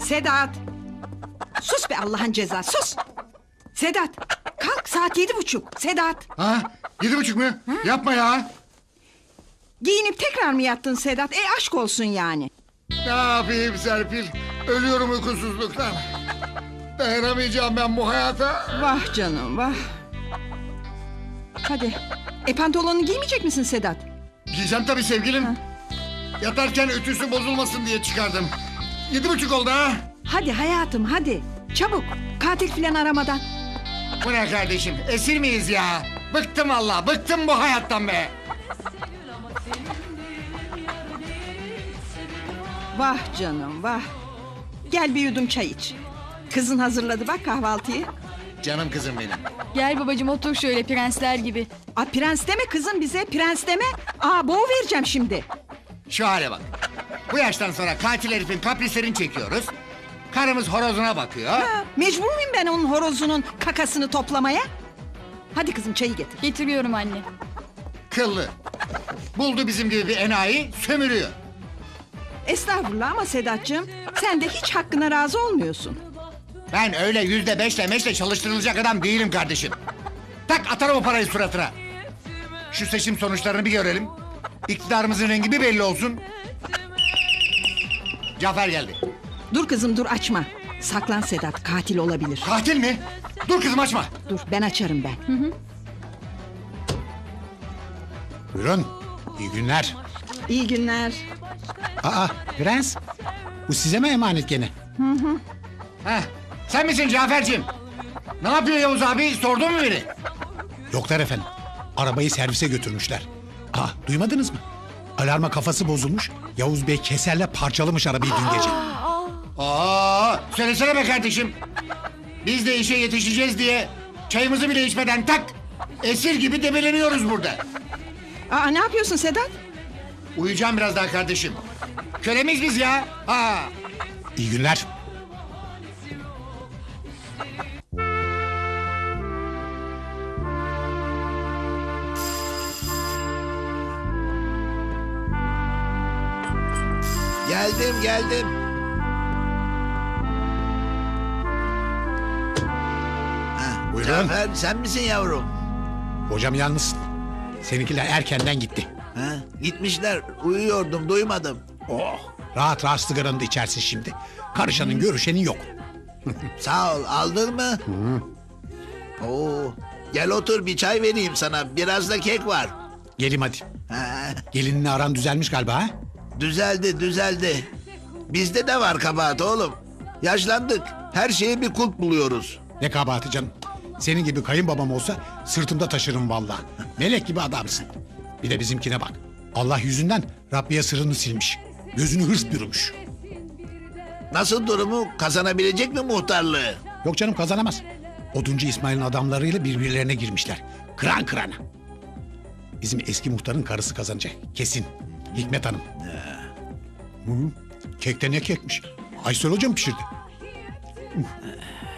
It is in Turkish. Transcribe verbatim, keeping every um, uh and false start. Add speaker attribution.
Speaker 1: Sedat! Sus be Allah'ın cezası, sus! Sedat, kalk saat yedi buçuk. Sedat!
Speaker 2: Ha? Yedi buçuk mu? Yapma ya.
Speaker 1: Giyinip tekrar mı yattın Sedat? E aşk olsun yani.
Speaker 2: Ne yapayım Serpil? Ölüyorum uykusuzluktan. Dayanamayacağım ben bu hayata.
Speaker 1: Vah canım, vah! Hadi, e pantolonunu giymeyecek misin Sedat?
Speaker 2: Giyeceğim tabii sevgilim.
Speaker 1: Ha.
Speaker 2: Yatarken ütüsü bozulmasın diye çıkardım. Yedi buçuk oldu ha.
Speaker 1: Hadi hayatım, hadi! Çabuk, katil filan aramadan.
Speaker 2: Bu ne kardeşim? Esir miyiz ya? Bıktım Allah, bıktım bu hayattan be.
Speaker 1: Vah canım, vah! Gel bir yudum çay iç. Kızın hazırladı bak kahvaltıyı.
Speaker 2: Canım kızım benim.
Speaker 3: Gel babacığım otur şöyle prensler gibi.
Speaker 1: Aa, prens deme kızım bize, prens deme. Aa, boğu vereceğim şimdi.
Speaker 2: Şu hale bak. Bu yaştan sonra katil herifin kaprislerini çekiyoruz. Karımız horozuna bakıyor.
Speaker 1: Ha, mecbur muyum ben onun horozunun kakasını toplamaya? Hadi kızım çayı getir.
Speaker 3: Getiriyorum anne.
Speaker 2: Kıllı. Buldu bizim gibi bir enayi, sömürüyor.
Speaker 1: Estağfurullah ama Sedat'cığım sen de hiç hakkına razı olmuyorsun.
Speaker 2: Ben öyle yüzde beşle meşle çalıştırılacak adam değilim kardeşim. Tak atarım o parayı suratına. Şu seçim sonuçlarını bir görelim. İktidarımızın rengi bir belli olsun. Cafer geldi.
Speaker 1: Dur kızım dur açma. Saklan Sedat katil olabilir.
Speaker 2: Katil mi? Dur kızım açma.
Speaker 1: Dur ben açarım ben.
Speaker 4: Buyurun. İyi günler.
Speaker 1: İyi günler.
Speaker 4: Aa Prens. Bu size mi emanet gene?
Speaker 2: Heh, sen misin Cafer'cim? Ne yapıyor Yavuz abi? Sordun mu beni?
Speaker 4: Yoklar efendim. Arabayı servise götürmüşler. Aa duymadınız mı? Alarma kafası bozulmuş. Yavuz Bey keserle parçalamış arabayı dün gece.
Speaker 2: Aa, söylesene be kardeşim. Biz de işe yetişeceğiz diye çayımızı bile içmeden tak esir gibi debeleniyoruz burada.
Speaker 1: Aa, ne yapıyorsun Sedat?
Speaker 2: Uyuyacağım biraz daha kardeşim. Kölemiz biz ya. Ha.
Speaker 4: İyi günler.
Speaker 5: Geldim geldim. Ha,
Speaker 4: Buyurun.
Speaker 5: Cafer sen misin yavrum?
Speaker 4: Hocam yalnızsın. Seninkiler erkenden gitti.
Speaker 5: Ha, gitmişler uyuyordum duymadım.
Speaker 4: Oh rahat rahat sigaranı da içersin şimdi. Karışanın görüşenin yok.
Speaker 5: Sağ ol aldın mı? Oo, gel otur bir çay vereyim sana biraz da kek var.
Speaker 4: Gelim hadi.
Speaker 5: Ha,
Speaker 4: Gelinle aran düzelmiş galiba ha?
Speaker 5: düzeldi düzeldi. Bizde de var kabahat oğlum. Yaşlandık her şeye bir kulp buluyoruz.
Speaker 4: Ne kabahati canım. Senin gibi kayınbabam olsa sırtımda taşırım vallahi. Melek gibi adamsın. Bir de bizimkine bak. Allah yüzünden Rabbiye sırrını silmiş. Gözünü hırs bürümüş.
Speaker 5: Nasıl durumu kazanabilecek mi muhtarlığı?
Speaker 4: Yok canım kazanamaz. Oduncu İsmail'in adamlarıyla birbirlerine girmişler. Kıran kırana. Bizim eski muhtarın karısı kazanacak. Kesin. Hikmet Hanım. Hı, kekte ne kekmiş? Aysel Hocam pişirdi.